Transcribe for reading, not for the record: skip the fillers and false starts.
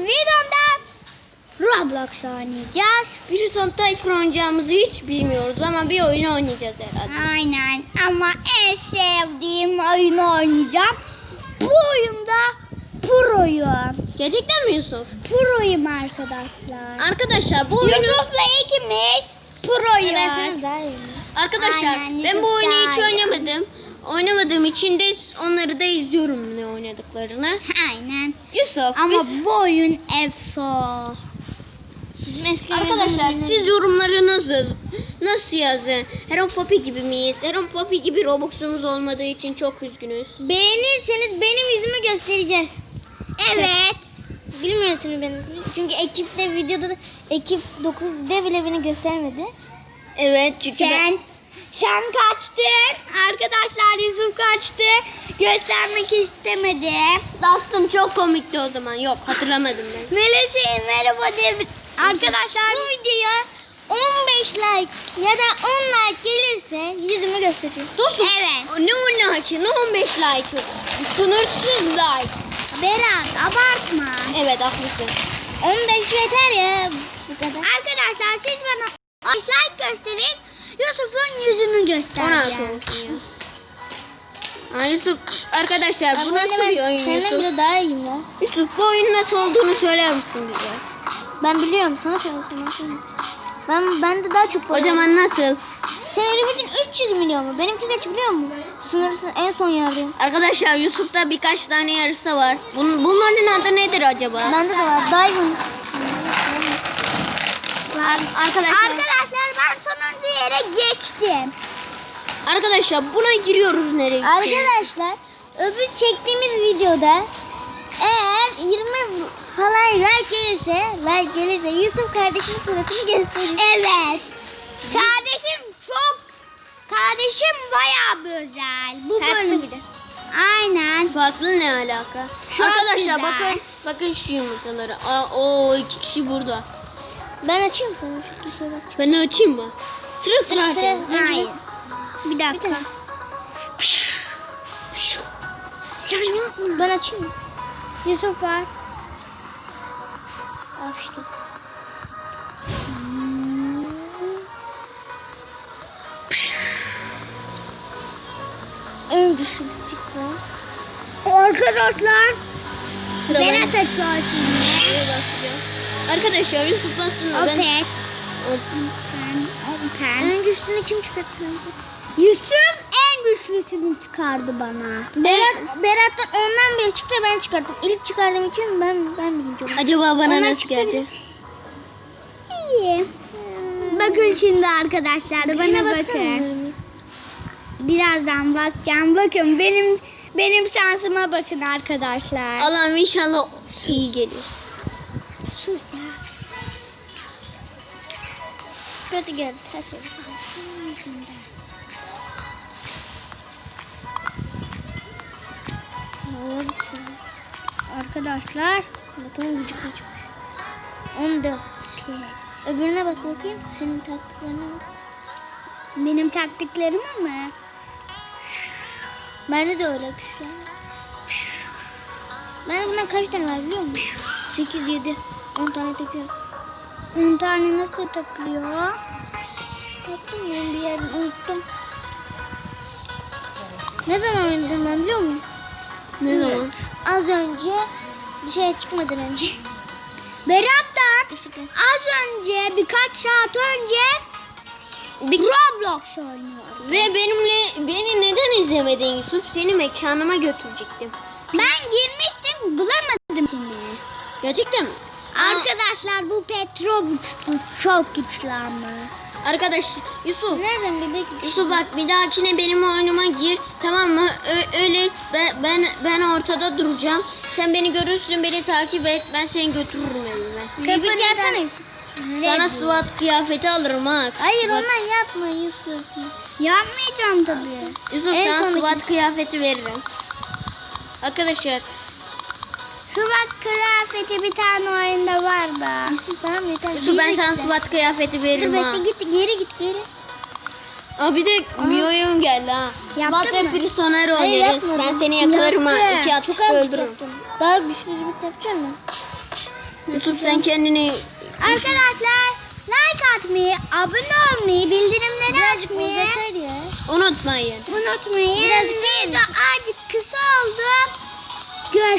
videomda Roblox oynayacağız. Bir son Tycoon oynayacağımızı hiç bilmiyoruz ama bir oyun oynayacağız herhalde. Aynen ama en sevdiğim oyunu oynayacağım. Bu oyunda proyum. Gerçekten mi Yusuf? Proyum arkadaşlar. Arkadaşlar bu oyunu... Yusuf'la ikimiz proyuz. Arkadaşlar Aynen, ben bu Yusuf oyunu hiç daha iyi. oynamadım. Oynamadığım için de onları da izliyorum ne oynadıklarını. Aynen. Yusuf Ama biz... bu oyun efso. Arkadaşlar siz yorumları nasıl yazın? Heron Poppy gibi miyiz? Heron Poppy gibi Robux'umuz olmadığı için çok üzgünüz. Beğenirseniz benim yüzümü göstereceğiz. Evet. Bilmiyorsunuz benim. Çünkü ekipte videoda da ekip 9'da bile beni göstermedi. Evet çünkü Sen kaçtın. Arkadaşlar Yusuf kaçtı. Göstermek istemedi. Dastım çok komikti o zaman. Yok hatırlamadım ben. Melisa merhaba diye arkadaşlar Bu videoya 15 like ya da 10 like gelirse yüzümü göstereceğim. Dostum Evet. ne 10 like ne 15 like. Sınırsız like. Berat abartma. Evet haklısın. 15 yeter ya. Bu kadar. Arkadaşlar siz bana 10 like gösterin. Yusuf'un yüzünü 16 göstereceğim. olsun ya. Yusuf arkadaşlar bu nasıl bir oyun Senden Yusuf? bile daha iyiyim ya. Yusuf bu oyunun nasıl olduğunu söyler misin bize? Ben biliyorum, sana söyleyeyim. Ben de daha çok O zaman nasıl? Senin limitin 300 milyon mu? Benimki kaç biliyor musun? Sınırsız en son yerdeyim. Arkadaşlar Yusuf'ta birkaç tane yarısı var. Bunların adı nedir acaba? Bende de var. Diamond. Arkadaşlar ben sonuncu yere geçtim. Arkadaşlar buna giriyoruz nereye? Arkadaşlar öbür çektiğimiz videoda eğer 20 falan like gelirse Yusuf kardeşimin suratını gösterir. Evet. Kardeşim bayağı bir özel. Bu Farklı bölüm. bir de. Aynen. Farklı ne alaka? Çok Arkadaşlar güzel. bakın şu yumurtaları. O 2 kişi burada. Ben açayım sana şu kişiye bak. Ben de açayım mı? Sıra açayım. Hayır. Bir dakika. Sen yapma. Ben açayım mı? Yusuf var. Açtım. En güçlüsü çıktı. Arkadaşlar. Sıra Berat ben. açıyor şimdi. Arkadaşlar Yusuf basın. Ben... Open. En güçlüsünü kim çıkarttı? Yusuf en güçlüsünü çıkardı bana. Berat'tan ondan bile çıktı, ben çıkarttım. İlk çıkardığım için ben biliyorum. Acaba bana Onlar nasıl çıktı gelecek? İyi. Bakın şimdi arkadaşlar Yine bana baksana. bakın. Birazdan bakacağım. Bakın benim şansıma bakın arkadaşlar. Allah'ım inşallah iyi gelir. Sus ya. Kötü geldi. Ters oldu. Arkadaşlar. Bakalım gücü kaçmış. 14. Öbürüne bak bakayım. Senin taktiklerine bak. Benim taktiklerimi mi? Bende de öyle güçler. Bende bundan kaç tane var biliyor musun? 8, 7. 10 tane takıyor. 10 tane nasıl takılıyor? Taktım ben bir yerden unuttum. Ne zaman oynadım ben biliyor musun? Ne zaman? Az önce bir şey çıkmadan önce. Berat'tan Işıkla. az önce birkaç saat önce Roblox oynuyorum. Ve beni neden izlemedin Yusuf? Seni mekanıma götürecektim. Ben girmiştim bulamadım seni. Gerçekten mi? Arkadaşlar bu Petrobus'tu çok güçlü ama. Arkadaş Yusuf. Nereden bebek? Yusuf bak bir dahakine benim oyunuma gir, tamam mı? Öyle ben ortada duracağım. Sen beni görürsün, beni takip et. Ben seni götürürüm evime. Bebek yapsana Yusuf. Sana SWAT kıyafeti alırım ha. Hayır Bak, ondan yapma Yusuf. Yapmayacağım tabii. Yusuf En sana sondaki- SWAT kıyafeti veririm. Arkadaşlar Şu bak kıyafeti bir tane oyunda var da. Yusuf tamam yeter. Yusuf ben Geri sana git. SWAT kıyafeti Dur veririm ha. bekle git geri. Aa, bir de bir oyun geldi ha. Yaptın SWAT ve mı? Prisoner Hayır, oynarız. yapmadım. Ben seni yakalarım ha. Yaptım. 2 Çok atışta az öldürürüm. yaptım. Daha güçlü bir yapacağım mı? Yusuf sen kendini Arkadaşlar like atmayı, abone olmayı, bildirimleri açmayı Uzatır ya. unutmayın. unutmayın. Birazcık Video azıcık kısa oldu. Görüşürüz.